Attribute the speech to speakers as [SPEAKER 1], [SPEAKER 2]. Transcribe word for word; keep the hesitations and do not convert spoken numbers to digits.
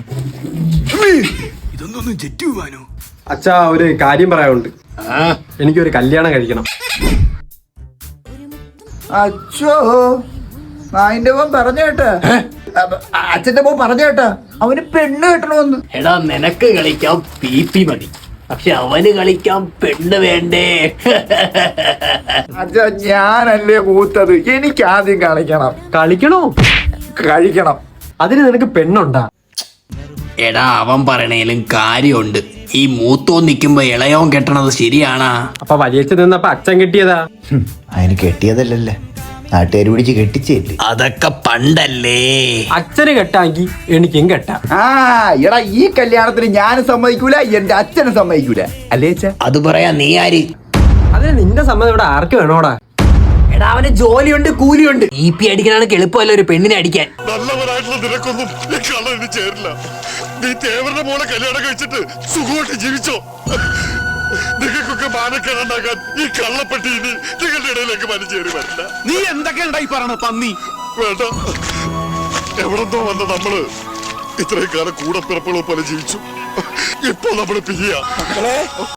[SPEAKER 1] ഇതൊന്നും ചെറ്റു പോവാനോ?
[SPEAKER 2] അച്ഛാ, ഒരു കാര്യം പറയാനുണ്ട്. എനിക്കൊരു കല്യാണം കഴിക്കണം.
[SPEAKER 3] അച്ഛോ, നായിന്റെ മോൻ പറഞ്ഞു കേട്ടാ, അച്ഛന്റെ മോൻ പറഞ്ഞു കേട്ടാ അവന് പെണ്ണ് കെട്ടണമെന്ന്.
[SPEAKER 1] എടാ, നിനക്ക് കളിക്കാൻ പി പി മതി, പക്ഷെ അവന് കളിക്കാൻ പെണ്ണ് വേണ്ടേ?
[SPEAKER 3] അച്ഛാ, ഞാനല്ലേ കൂത്തത്, എനിക്ക് ആദ്യം കളിക്കണം.
[SPEAKER 2] കളിക്കണോ?
[SPEAKER 3] കഴിക്കണം.
[SPEAKER 2] അതിന് നിനക്ക് പെണ്ണുണ്ടാ?
[SPEAKER 1] എടാ, അവൻ പറയണേലും കാര്യമുണ്ട്. ഈ മൂത്തോൻ നിക്കുമ്പോ ഇളയോൻ കെട്ടണത് ശരിയാണാ?
[SPEAKER 2] അപ്പൊ വലിയച്ഛൻ നിന്നപ്പോ അച്ഛൻ കെട്ടിയതാ?
[SPEAKER 4] അതിന് കെട്ടിയതല്ലല്ലേ, നാട്ടുകാർ പിടിച്ച് കെട്ടിച്ചേല്ലേ.
[SPEAKER 1] അതൊക്കെ പണ്ടല്ലേ.
[SPEAKER 2] അച്ഛന് കെട്ടാങ്കി എനിക്കും കെട്ടാ.
[SPEAKER 3] ആ എടാ, ഈ കല്യാണത്തിന് ഞാനും സമ്മതിക്കൂല, എന്റെ അച്ഛനും സമ്മതിക്കൂല, അല്ലേ അച്ഛാ?
[SPEAKER 1] അത് പറയാ നീ ആര്?
[SPEAKER 2] അതിന് നിന്റെ സമ്മതം ഇവിടെ ആർക്ക് വേണോടാ?
[SPEAKER 1] എടാ, അവന് ജോലിയുണ്ട്, കൂലിയുണ്ട്. ഇ പി അടിക്കാനാണെങ്കിൽ എളുപ്പമല്ല ഒരു പെണ്ണിനെ അടിക്കാൻ.
[SPEAKER 5] നല്ലവരായിട്ടുള്ള നിനക്കൊന്നും ഈ കള്ളന് ചേരില്ല. നീ തേവരുടെ മോളെ കല്യാണം കഴിച്ചിട്ട് സുഖമായിട്ട് ജീവിച്ചോ. നിങ്ങൾക്കൊക്കെ മാനക്കേടുണ്ടാക്കാൻ ഈ കള്ളപ്പെട്ടി ഇനി നിങ്ങളുടെ ഇടയിലേക്ക് വലിച്ചേറി വരില്ല.
[SPEAKER 6] നീ എന്തൊക്കെയാ ഈ പറയണ പന്നി?
[SPEAKER 5] വേണ്ട, എവിടെന്തോ വന്ന നമ്മള് ഇത്രയും കാലം കൂടെ പിറപ്പുകളെ പോലെ ജീവിച്ചു. ഇപ്പൊ നമ്മള് പിരിയാ.